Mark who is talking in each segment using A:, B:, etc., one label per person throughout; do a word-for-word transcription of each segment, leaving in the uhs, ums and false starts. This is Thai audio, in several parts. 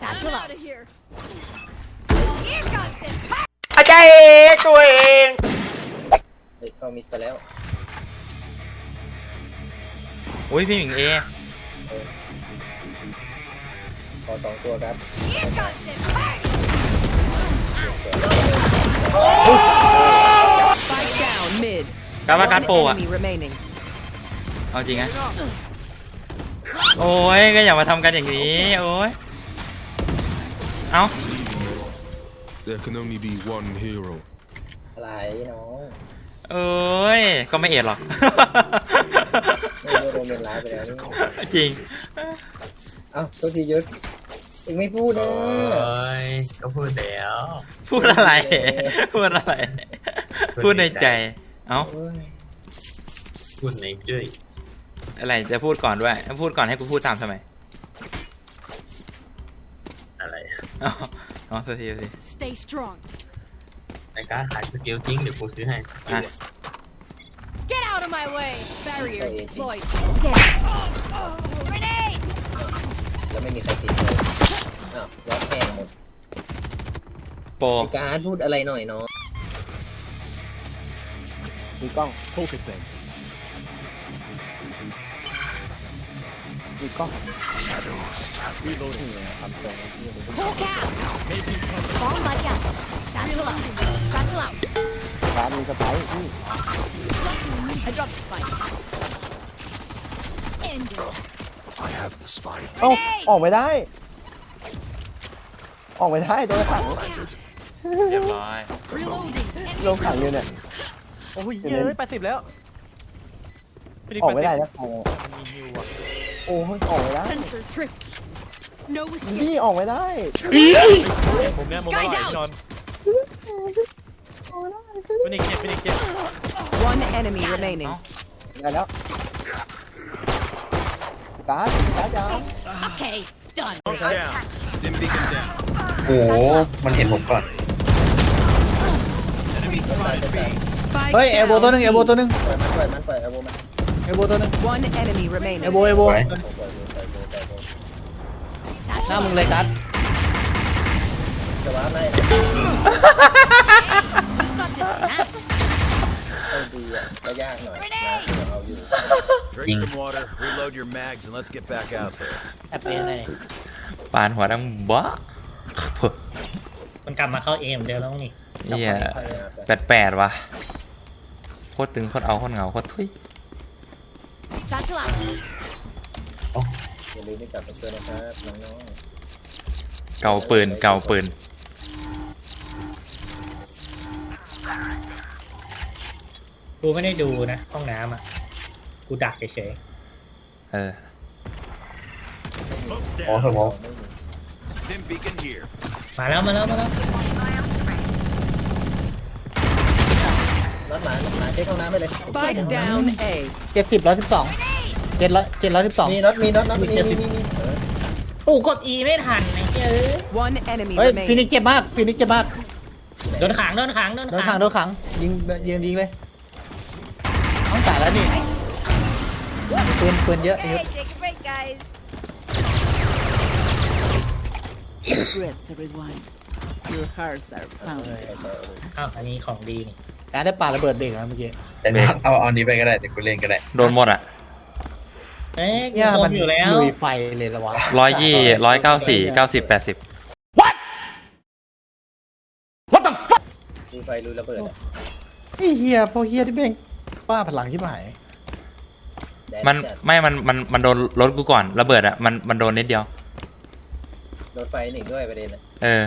A: อาจารย์เอกตัวเอง
B: เฮ้ยเข้ามิสไปแล้ว
A: อุ้ยพี่หมิงเอ
B: ขอสองตัวครับ
A: การว่าการโปรอะเอาจริงไงโอ้ยก็อย่ามาทำกันอย่างนี้โอ้ยเอา
C: There can only be one hero
B: อะไรน้อง
A: เอ้ยก็ไม่เอ็ดหรอก
B: ไม่โดนเป็นร้ายไปแล้วนี่
A: จริง
B: เอ้าตัวทียุทธเองไม่พูดนะ
D: ก็พูดแล้ว
A: พูดอะไรพูดอะไรพูดในใจเอ้า
D: พูดในจุ้ย
A: อะไรจะพูดก่อนด้วยพูดก่อนให้กูพูดตามทำไม
D: อะไร
A: อ๋ออ๋อโทษทีโทษที
E: Stay strong
D: ในการขายสกิลจริงเดี๋ยวกูซื้อให้
E: Get out of my way barrier deployed
B: แล้วไม่มีใครติดเลยอ้าวล็อกแห้งหมด
A: โปร
B: การพูดอะไรหน่อยเนาะมีกล้องโฟกัสมีกล้องรีโหลดทำตรงนี้พวกแกพร้อมมาอย่างการตลอดการตลอดร้านมีสไปร์ที่
E: I dropped the spike
B: เอ้าออกไม่ได้ออกไม่ได้โดนขัง
A: เรียบร้อย
B: โดนขังอยู่เนี่ย
F: โอ้ยเยอะแปดสิบแล้ว
B: ออกไม่ได้แล้ว
F: มีฮิวอ่ะ
B: โอ้ยออกไม่ได้นี่ออกไม่ได้
F: ผมเนี่ยผมไม่ไหวนอนเป็นอีกเจ็บเป็นอีกเจ็บ
G: One enemy remaining
B: ได้แล้วการ์ดการ์ดยาว
E: Okay done
D: โอ้มันเห็นผมก่อน
B: เฮ้ยเอโบตัวนึงเอโบตัวนึงปล่อยมันปล่อยมันปล่อยเอโบมันเอโบตัวนึง
G: One enemy remaining
B: เอโบเอโบหน้ามึงเลยกัสจะว้าไล่ต้องดีอ่ะก็ยากหน่อยนะเอาอยู่
H: Drink some water, reload your mags, and let's get back out there.
F: แอบเป็นอะไร
A: ปานหัวดังบ้า
F: มันกลับมาเข้าเอเหมือนเดิมแล้วนี่
A: เฮียแปดแปดว่ะโคตรตึงโคตรเอาโคตรเหงาโคตรทุย
B: อย่าลืมที่กลับมาช่วยนะครับน้อง
A: ๆเก่าปืนเก่าปืน
F: กูไม่ได้ดูนะห้องน้ำอ่ะกูดักเฉย
A: ๆเออ
D: อ๋อครับผม
F: มาแล้วมาแล้วมาแล้ว
B: รถหมาหมาเช็คห้องน้ำไปเลย
G: Spike down A
B: เจ็ดสิบร้อยสิบสองเจ็ดร้อยเจ็ดร้อยสิบสองมีน็อตมีน็อตน็อตมีมีมีมี
F: โอ้กด E ไม่ทันไอ้เจ้
G: อ One enemy
B: เฮ้ย
G: remaining
B: ฟินิกเจ็บมากฟินิกเจ็บมาก
F: โดนขังโดนขังโดนขัง
B: โดนขังยิงยิงยิงเลยต้องจ่ายแล้วนี่ปืนปืนเยอะเยอะ
G: Regrets everyone Your hearts are pounding
F: อ้าวอันนี้ของดีนี่
B: การได้ปาระเบิดเด็กนะเมื่อกี้
D: เอาเอานี้ไปก็ได้แต่กูเล่นก็ได้
A: โดนหมดอ่ะ
F: เอ๊ะเนี่ยมันอยู่แล้ว
B: ลุยไฟเลยละวะ
A: ร้อยยี่ร้อยเก้าสี่เก้าสิบแปดสิบ
B: What What the fuck ลุยไฟลุยระเบิดไอ้เฮียพวกเฮียที่เป็นป้าพลังที่หาย
A: มันไม่มันมันมันโดนรถกูก่อนระเบิดอ่ะมันมันโดนนิดเดียว
B: โดนไฟหนึ่งด้วยประเด็น
A: เออ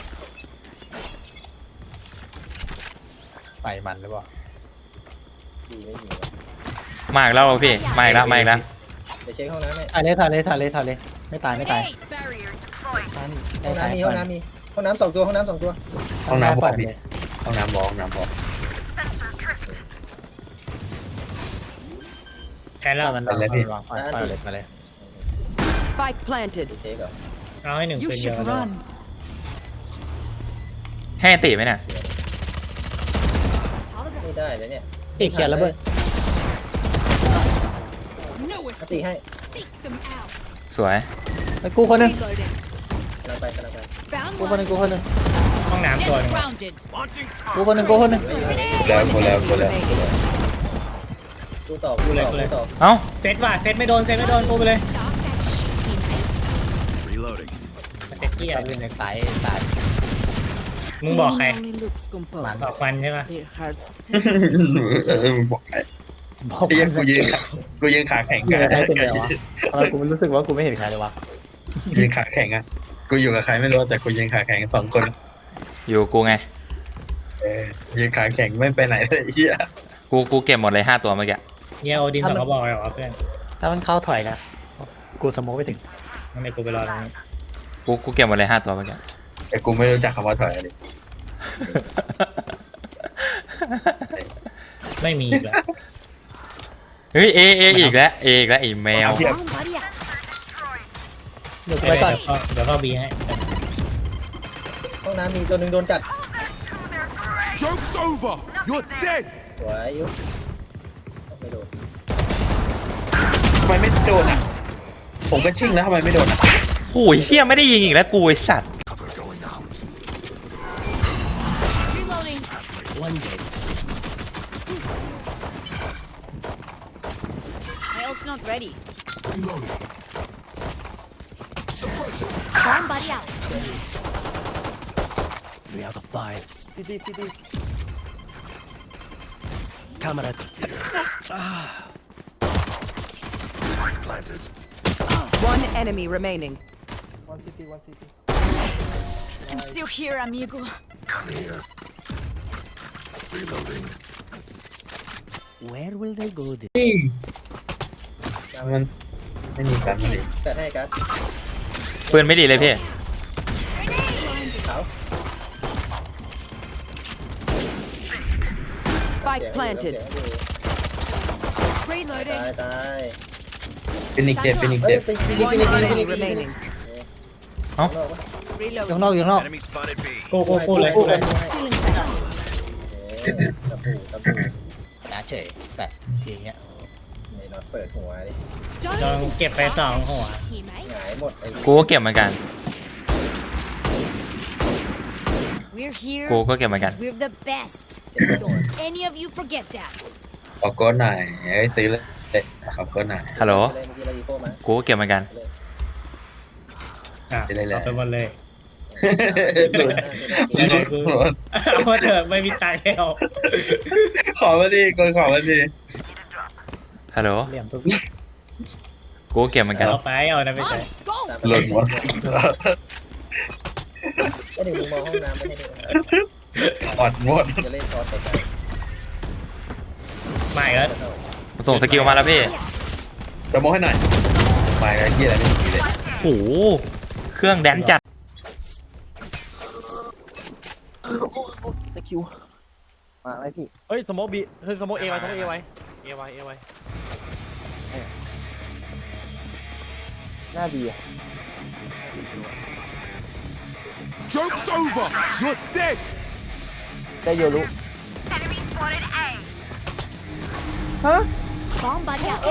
B: ไฟมันหรือเปล่าดีไม่ดี
A: มาอีกแล้วพี่มาอีกแล้วมาอีกแล้ว
B: เดี๋ยวเช็คห้องน้ำให้ถ่ายเลยถ่ายเลยถ่ายเลยถ่ายเลยไม่ตายไม่ตายห้องน้ำมีห้องน้ำมีห้องน้ำสองตัวห้องน้ำสองตัว
D: ห้องน้ำบอกพี่ห้องน้ำบอกห้องน้ำบอก
F: แค่แล้ว
B: มันเลยพี่วางไปเลยไปเลย
G: Spike planted
F: เอาให้หนึ่งเป็นเยอะ
A: ให้ตีไหมเนี่ย
B: ไม่ได้เลยเนี่ยตีเขียนแล้วเบิร์ดตีให้
A: สวย
B: ไปกู้คนนึงเราไปกันเราไป
E: Found
B: กูคนห
E: one.
B: นึ่งกูคนหนึ่ง
F: ห้องน้ำตัวหนึง
E: Grounded.
B: กูคนหนึ่งกูคนหนึ่ง
D: แล้วกูแล้วกูแล้ว
B: กูต่อกูต่อกูต่อ
A: เอ้า
F: เซตว่ะเซตไม่โดนเซตไม่โดนกูไปเลย
E: Stop that shit.
H: Reloading.
F: เซตเกียร์
B: เป็นในสายสาย
F: มึงบอกใคร
G: Only looks composed.
F: บอกมันใช่ปะ
G: Their hearts
D: เออมึงบอกไอ้
B: บอก
D: เหี้ยกูยืนกูยืนขาแข็ง
B: กู
D: กัน
B: ใครเป็นไงวะทำไมกูรู้สึกว่ากูไม่เห็นใครเลยวะ
D: ยืนขาแข็งอ่ะกูอยู่กับใครไม่รู้แต่กูยืนขาแข็งสองคน
A: อยู่กูไง
D: เออยืนขาแข็งไม่ไปไหนเลยไอ้เหี้ย
A: กูกูเก็บหมดเลยห้าตัวเมื่อกี้
F: เฮียโอดินสองกระบอกเลยเหรอเพื่อน
B: ถ้ามันเข้าถอยนะกูสโมกไปถึง
F: งั้นเดี๋ยวกูไปรอตรงนี้
A: กูกูเก็บหมดเลยห้าตัวเมื่อกี้
D: แต่กูไม่รู้จักคำว่าถอยเลย
F: ไม่มีอีกแล้ว
A: เฮ้ยเอเออีกแล้วเออีกแล้วไอ้แมว
E: Bomb buddy out.
B: เดี๋ยวกู
F: เดี๋
B: ไป
F: ยว
B: ก่อน
F: เดี๋ยวเข้าบีให้
B: ห้องน้ำมีตัวหนึ่งโดนจัด
C: Joke's over! You're dead!
B: สวยยุไม่โดน
D: ทำไมไม่โดนอ่ะผมก็ชิ่งแล้วทำไมไม่โดนอ่ะ
A: โอ้ยเฮียไม่ได้ยิงอีกแล้วกูไอสัตว์
E: Reloading. My ult's not ready. Bomb buddy out.
I: Three out of five. Camera. Planted.
E: One enemy remaining. I'm still here, amigo.
I: Come here. Reloading. Where will they go? This?
D: มันไม่มีการไม่ดี
B: แต่ให้กัน
A: ปืนไม่ดีเลยพี่
B: เขา
E: Spike planted.
B: ตาย
E: Reloading.
B: ตาย
D: เป็นอีกเจ็บเป็นอีก
B: เฮ้ย
D: เจ็บ
B: ไปฟินิกฟิ
E: One
B: นิกฟินิกฟิ
E: enemy
B: นิก
E: remaining.
B: อยู่ข้าง
E: Reloading.
B: นอกอยู่ข้างนอก
H: Enemy spotted B.
F: กูกูกูเลยกูเลย
B: ตะปูตะปู
J: นะเฉยสัตว์อย่างเงี้ย
B: ในน็อตเปิดหัวดิ
F: ลองเก็บไปสองหัว
E: Teammate.
B: หงายหมดไอ้
A: กูก็เก็บเหมือนกัน
E: We're here
A: กูก็เก็บเหมือนกัน
E: because we're the best. Any of you forget that?
D: ขอโก้หน่อยเอ้ยซื้อเลยขอโก้หน่อย
A: ฮัลโหล
B: เมื่อกี้เราอีโก้มา
A: กูก็เก็บเหมือนกัน
F: อ่ะ
D: จะได้แล้ว
F: เอาไปหมดเลย
D: หลุด
F: ยังไงกูเอามาเถอะไม่มีตายแล้ว
D: ขอมาดิกูขอมาดิ
A: ฮัลโหล
B: เหลี่ยมตัว
A: กูก็เก็บเหมือนกัน
F: เอาไปเอานะไม่ใช่
E: Let's go.
D: หลุดหมด
B: ไอ้เด็กมึงมองห้องน้ำไม่ให้ดู
D: อดหมด
B: จะเล่นซอสไปกัน
F: ไม่แล้ว
A: ส่งสกิลมาแล้วพี่
D: จะโม้ให้หน่อยมาไอ้เหี้ยอะไรไม่มีเลย
A: โอ้โหเครื่องแดนจัด
B: ตะคิวมาไหมพี่
J: เฮ้ยสโมกบีเฮ้ยสโมกเอไว้สโมกเอไว้เอไว้เอไว้
B: หน้าดีอ่ะ
C: Joke's over! You're dead!
B: ได้โยรุ
E: Bomb buddy out.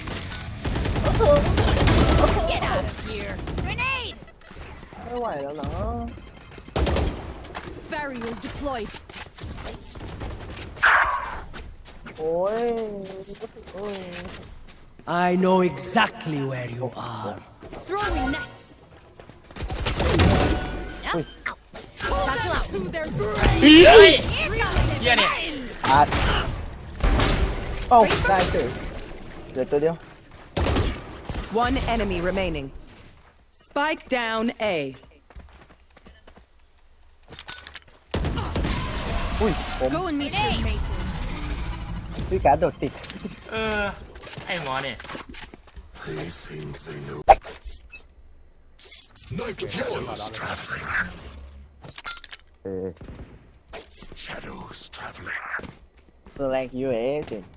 E: Get out of here. Grenade.
B: ไม่ไหวแล้วเนาะ
E: Barrier deployed.
B: โอ้ยโอ้ย
I: I know exactly where you are.
E: Throwing net. Snap out. Satchel out. They're
A: เฮ้ยเฮียเนี่ย
B: อาดโอ้ได้เฉยเดี๋ยวตัวเดียว
E: One enemy remaining. Spike down A.
B: อุ้ยผม
E: Go and meet your mate.
B: พี่การดโดดติด
A: เออ ไอ้หมอเนี่ย
C: They think they know. Night shadows traveling.
B: เออ
C: Shadows traveling.
B: ตัวแรงยูเอจริง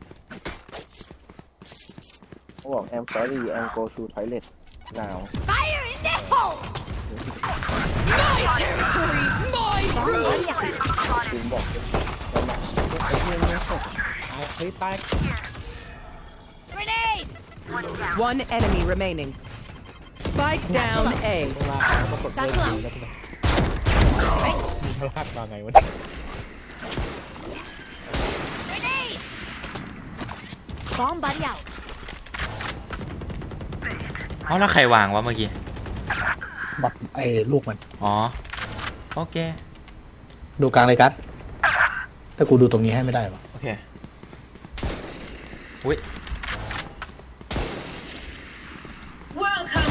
B: เขาบอก I'm sorry I'm go to toilet now
E: Fire in the hole. My territory. My room.
B: จริงบอกตอนหลังไอ้เรื่องนี้สด
F: เฮ้ยตาย
E: Grenade. One enemy remaining.
G: Spike down A.
D: ลากมาปรากฏเวทีแล้วใช่ไหมมีพลาดมาไงวะ
E: Bomb buddy out.
A: เอาแล้วใครวางวะเมื่อกี้
J: บักไอ้ลูกมัน
A: อ๋อ โอเค
J: ดูกลางเลยกัสถ้ากูดูตรงนี้ให้ไม่ได้ปะ
A: โอเค อุ้ย
E: Welcome.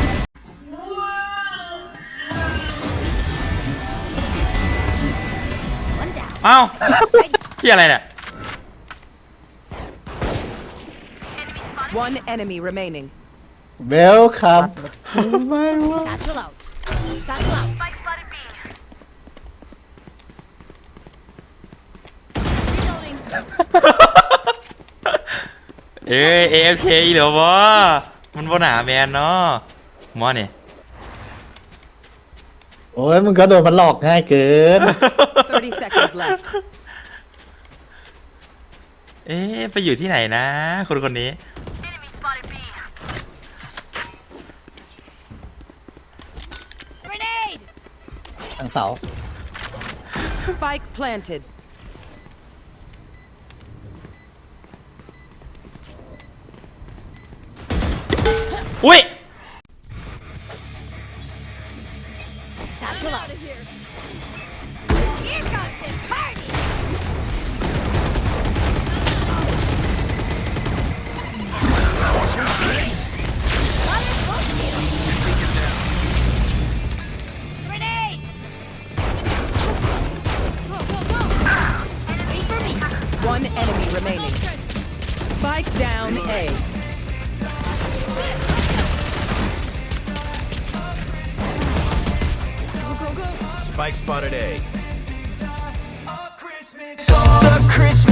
A: เอ้า ที่อะไรเนี่ย
G: One enemy remaining.
J: เวลคัมไม่วะ
E: Satchel out. Satchel out. Reloading.
A: เอ้ย เอฟเคเหรอวะมันบนหาแมนเนาะมอนี่
J: โอ้ยมึงก็โดนมันหลอกง่ายเกิน
G: thirty seconds left.
A: เอ๊ะไปอยู่ที่ไหนนะ คนคนนี้
E: Grenade.
J: ทางเสา
G: Spike planted.
A: อุ้ย
E: Satchel out. Here comes this party. Grenade. Go, go, go. Wait for me.
G: One enemy remaining. Spike down A.
E: Go, go, go.
H: Spike spotted A.
I: The Christmas